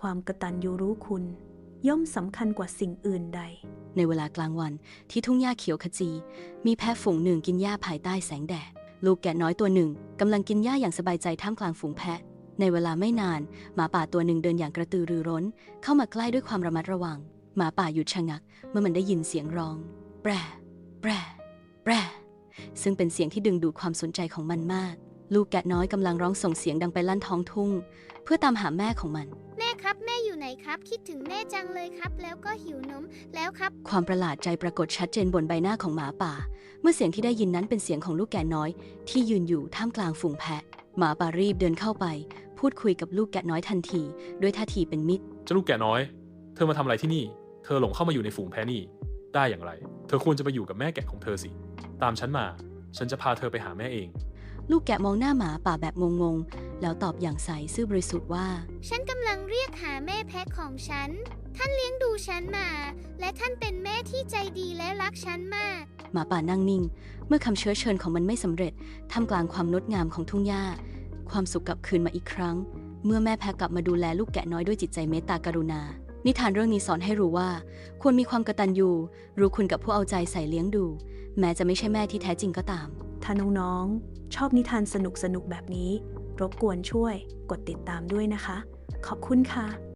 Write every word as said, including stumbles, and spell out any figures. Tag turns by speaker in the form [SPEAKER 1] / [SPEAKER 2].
[SPEAKER 1] ความกตัญญูรู้คุณย่อมสำคัญกว่าสิ่งอื่นใด
[SPEAKER 2] ในเวลากลางวันที่ทุ่งหญ้าเขียวขจี มีแพะฝูงหนึ่งกินหญ้าภายใต้แสงแดดลูกแกะน้อยตัวหนึ่งกำลังกินหญ้าอย่างสบายใจท่ามกลางฝูงแพะในเวลาไม่นานหมาป่าตัวหนึ่งเดินอย่างกระตือรือร้นเข้ามาใกล้ด้วยความระมัดระวังหมาป่าหยุดชะงักเมื่อมันได้ยินเสียงร้องแปรแปรแปรซึ่งเป็นเสียงที่ดึงดูดความสนใจของมันมากลูกแกะน้อยกำลังร้องส่งเสียงดังไปลั่นท้องทุ่งเพื่อตามหาแม่ของมัน
[SPEAKER 3] แม่ครับแม่อยู่ไหนครับคิดถึงแม่จังเลยครับแล้วก็หิวนมแล้วครับ
[SPEAKER 2] ความประหลาดใจปรากฏชัดเจนบนใบหน้าของหมาป่าเมื่อเสียงที่ได้ยินนั้นเป็นเสียงของลูกแกะน้อยที่ยืนอยู่ท่ามกลางฝูงแพะหมาป่ารีบเดินเข้าไปพูดคุยกับลูกแกะน้อยทันทีด้วยท่าทีเป็นมิตร
[SPEAKER 4] เจ้าลูกแกะน้อยเธอมาทำอะไรที่นี่เธอหลงเข้ามาอยู่ในฝูงแพะนี่ได้อย่างไรเธอควรจะไปอยู่กับแม่แกะของเธอสิตามฉันมาฉันจะพาเธอไปหาแม่เอง
[SPEAKER 2] ลูกแกะมองหน้าหมาป่าแบบงงๆแล้วตอบอย่างใสซื่อบริสุทธิ์ว่า
[SPEAKER 3] ฉันกำลังเรียกหาแม่แพะของฉันท่านเลี้ยงดูฉันมาและท่านเป็นแม่ที่ใจดีและรักฉันมาก
[SPEAKER 2] หมาป่านั่งนิ่งเมื่อคำเชื้อเชิญของมันไม่สำเร็จท่ามกลางความงดงามของทุ่งหญ้าความสุขกลับคืนมาอีกครั้งเมื่อแม่แพะกลับมาดูแลลูกแกะน้อยด้วยจิตใจเมตตากรุณานิทานเรื่องนี้สอนให้รู้ว่าควรมีความกตัญญูรู้คุณกับผู้เอาใจใส่เลี้ยงดูแม้จะไม่ใช่แม่ที่แท้จริงก็ตาม
[SPEAKER 1] ถ้าน้องๆชอบนิทานสนุกๆแบบนี้รบกวนช่วยกดติดตามด้วยนะคะขอบคุณค่ะ